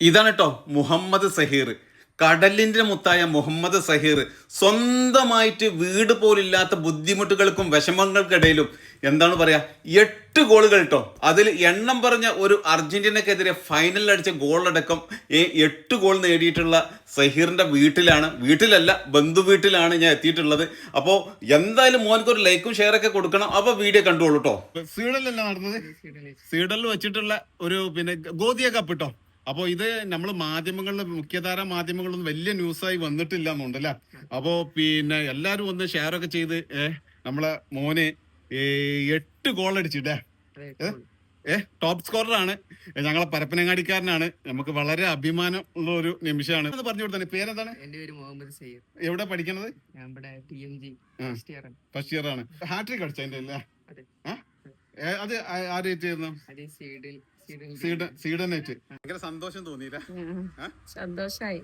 ഇതാണ് കേട്ടോ മുഹമ്മദ് സഹീർ, കടലിന്റെ മുത്തായ മുഹമ്മദ് സഹീർ. സ്വന്തമായിട്ട് വീട് പോലില്ലാത്ത ബുദ്ധിമുട്ടുകൾക്കും വിഷമങ്ങൾക്കിടയിലും എന്താണ് പറയാ 8 ഗോളുകൾ കേട്ടോ. അതിൽ എണ്ണം പറഞ്ഞ ഒരു അർജന്റീനക്കെതിരെ ഫൈനലിൽ അടിച്ച ഗോളടക്കം 8 ഗോൾ നേടിയിട്ടുള്ള സഹീറിന്റെ വീട്ടിലല്ല ബന്ധു വീട്ടിലാണ് ഞാൻ എത്തിയിട്ടുള്ളത്. അപ്പോൾ എന്തായാലും മോനക്ക് ഒരു ലൈക്കും ഷെയർ ഒക്കെ കൊടുക്കണം. അപ്പൊ വീഡിയോ കണ്ടോളൂ കേട്ടോ. സ്വീഡനിലല്ല നടന്നത്, സ്വീഡനിൽ വെച്ചിട്ടുള്ള ഒരു ഗോതിയ കപ്പ് കേട്ടോ. അപ്പോൾ ഇത് നമ്മൾ മാധ്യമങ്ങളിൽ, മുഖ്യധാര മാധ്യമങ്ങളൊന്നും വലിയ ന്യൂസായി വന്നിട്ടില്ല എന്നുണ്ടല്ലേ. അപ്പോൾ എല്ലാവരും ഒന്ന് ഷെയർ ഒക്കെ ചെയ്ത് നമ്മളെ മോന് 8 ഗോൾ അടിച്ചിട്ടേ ടോപ്പ് സ്കോററാണ്. ഞങ്ങളെ പരപ്പനങ്ങാടിക്കാരനാണ്. നമുക്ക് വളരെ അഭിമാനം ഉള്ള ഒരു നിമിഷമാണ്. പറഞ്ഞു കൊടുത്തേ, പേരെന്താണ്? എന്റെ പേര് മുഹമ്മദ് സയ്യിദ്. എവിടെ പഠിക്കണത്? ഞാൻ ഇവിടെ TMG ഫസ്റ്റ് ഇയർ ആണ്. ഹാട്രിക് അടിച്ചതിന്റെ അല്ലേ? അത് ആരായിരുന്നു? സ്വീഡനായിട്ട്. ഭയങ്കര സന്തോഷം തോന്നിയില്ല? സന്തോഷായി.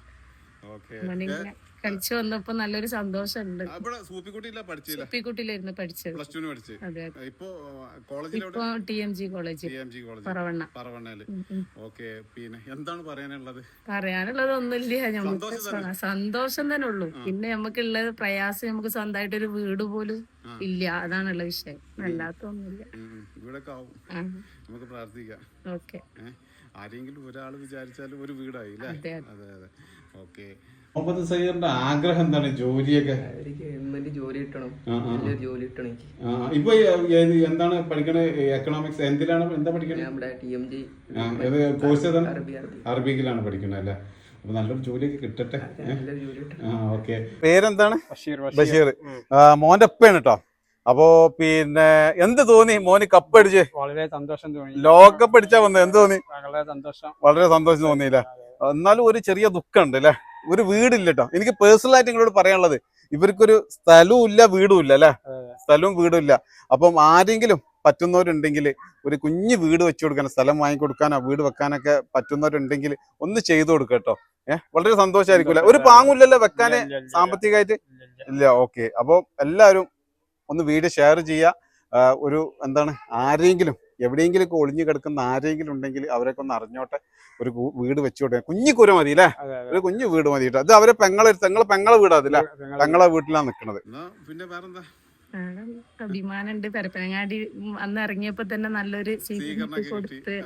കളിച്ചു വന്നപ്പോ നല്ലൊരു സന്തോഷമുണ്ട്. സൂപ്പിക്കുട്ടിയിലായിരുന്നു പഠിച്ചത്. ഇപ്പൊ TMG കോളേജ് പറവണ്ണയില്. എന്താണ് പറയാനുള്ളത്? ഒന്നുമില്ല, നമുക്ക് സന്തോഷം തന്നെ ഉള്ളൂ. പിന്നെ നമുക്കുള്ളത് പ്രയാസം, നമുക്ക് സ്വന്തമായിട്ട് ഒരു വീട് പോലും ഇല്ല. അതാണുള്ള വിഷയം, അല്ലാത്തൊന്നുമില്ല. നമുക്ക് പ്രാർത്ഥിക്കാം. ഓക്കെ, ആരെങ്കിലും ഒരാൾ വിചാരിച്ചാലും ഒരു വീടായി. അതെ അതെ. ഓക്കെ. മുഹമ്മദ് സയ്യിറിന്റെ ആഗ്രഹം എന്താണ്? ജോലിയൊക്കെ ജോലി കിട്ടണം, ജോലി കിട്ടണം. ഇപ്പൊ എന്താണ് പഠിക്കണത്? എക്കണോമിക്സ് എന്താ പഠിക്കണത്? TMG കോഴ്സ് ഏതാണ്? അറബിക്കിലാണ് പഠിക്കണത് അല്ലേ? അപ്പൊ നല്ലൊരു ജോലിയൊക്കെ കിട്ടട്ടെ. ഓക്കെ. പേരെന്താണ്? ബഷീർ. മോന്റെ ഒപ്പയാണ് കേട്ടോ. അപ്പോ എന്ത് തോന്നി മോന് കപ്പ് അടിച്ച്? വളരെ സന്തോഷം തോന്നി. ലോകകപ്പ് അടിച്ചാ വന്നത്, എന്ത് തോന്നി? വളരെ സന്തോഷം തോന്നിയില്ല. എന്നാലും ഒരു ചെറിയ ദുഃഖമുണ്ട് അല്ലെ, ഒരു വീടില്ല കേട്ടോ. എനിക്ക് പേഴ്സണൽ ആയിട്ട് നിങ്ങളോട് പറയാനുള്ളത്, ഇവർക്കൊരു സ്ഥലവും ഇല്ല വീടും ഇല്ല അല്ലെ, സ്ഥലവും വീടും ഇല്ല. അപ്പം ആരെങ്കിലും പറ്റുന്നവരുണ്ടെങ്കിൽ ഒരു കുഞ്ഞു വീട് വെച്ചു കൊടുക്കാനോ, സ്ഥലം വാങ്ങിക്കൊടുക്കാനോ, വീട് വെക്കാനൊക്കെ പറ്റുന്നവരുണ്ടെങ്കിൽ ഒന്ന് ചെയ്തു കൊടുക്കുക കേട്ടോ. വളരെ സന്തോഷമായിരിക്കൂല. ഒരു പാങ്ങില്ലല്ലോ വെക്കാന് സാമ്പത്തികമായിട്ട് ഇല്ല. ഓക്കെ. അപ്പോൾ എല്ലാവരും ഒന്ന് വീഡിയോ ഷെയർ ചെയ്യുക. ഒരു ആരെങ്കിലും എവിടെയെങ്കിലും ഒളിഞ്ഞു കിടക്കുന്ന ആരെങ്കിലും ഉണ്ടെങ്കിൽ അവരൊക്കെ ഒന്ന് അറിഞ്ഞോട്ടെ. ഒരു വീട് വെച്ചോട്ടെ, കുഞ്ഞിക്കുര മതി അല്ലേ, ഒരു കുഞ്ഞു വീട് മതി കേട്ടോ. അത് അവരെ പെങ്ങളെ വീടാ അതില്ല, പെങ്ങളെ വീട്ടിലാണ് നിൽക്കുന്നത്. പിന്നെ വേറെന്താ? അഭിമാനുണ്ട്. പരപ്പനങ്ങാടി അന്ന് ഇറങ്ങിയപ്പോ തന്നെ നല്ലൊരു സ്വീകരണം കൊടുത്ത്.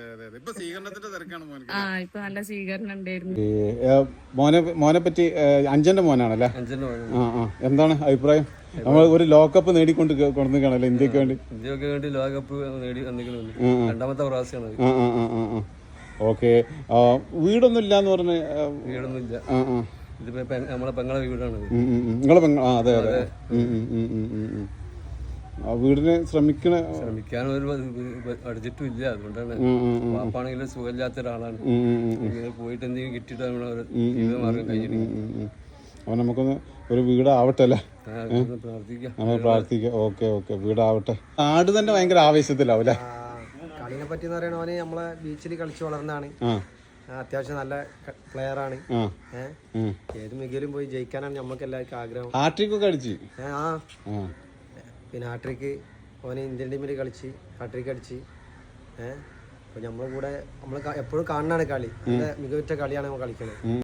ഇപ്പൊ നല്ല സ്വീകരണം ഉണ്ടായിരുന്നു. മോനെ പറ്റി അഞ്ചന്റെ മോനാണല്ലേ? എന്താണ് അഭിപ്രായം? നമ്മൾ ഒരു ലോകകപ്പ് നേടിക്കൊണ്ട് കൊണ്ടുവന്നിരിക്കണല്ലോ ഇന്ത്യക്ക് വേണ്ടി ലോകകപ്പ് നേടി രണ്ടാമത്തെ പ്രാവശ്യമാണ്. ഓക്കെ. വീടൊന്നും ഇല്ലാന്ന് പറഞ്ഞ? വീടൊന്നുമില്ല, നമ്മളെ പെങ്ങളെ വീടാണ്. നിങ്ങളെ അതെ അതെ. വീടിന് ശ്രമിക്കാൻ അടിച്ചിട്ടും ഇല്ല. അതുകൊണ്ടാണ്. വാപ്പാണെങ്കിലും സുഖമില്ലാത്ത ഒരാളാണ്. പോയിട്ട് എന്തെങ്കിലും കിട്ടിയിട്ട് മാർഗം കഴിഞ്ഞിട്ട് അപ്പൊ നമുക്കൊന്ന് ഒരു വീടാവട്ടെ അല്ലേ? നമ്മൾ പ്രാർത്ഥിക്കാം. ഓക്കെ ഓക്കെ, വീടാവട്ടെ. നാട് തന്നെ ഭയങ്കര ആവേശത്തിലാവൂല്ലേ? കളിനെ പറ്റി പറയണവന് നമ്മളെ ബീച്ചിൽ കളിച്ചു വളർന്നാണ്. അത്യാവശ്യം നല്ല പ്ലെയർ ആണ്. ഏത് മികയിലും പോയി ജയിക്കാനാണ് നമ്മൾക്ക് എല്ലാവർക്കും ആഗ്രഹം. ഹാട്രിക് ഒക്കെ അടിച്ച്. പിന്നെ ഹാട്രിക്ക് ഓന് ഇന്ത്യൻ ടീമിൽ കളിച്ച് ഹാട്രിക് അടിച്ച്. അപ്പൊ നമ്മളെ കൂടെ നമ്മൾ എപ്പോഴും കാണുന്നതാണ് കളി. നല്ല മികവുറ്റ കളിയാണ് നമ്മൾ കളിക്കുന്നത്.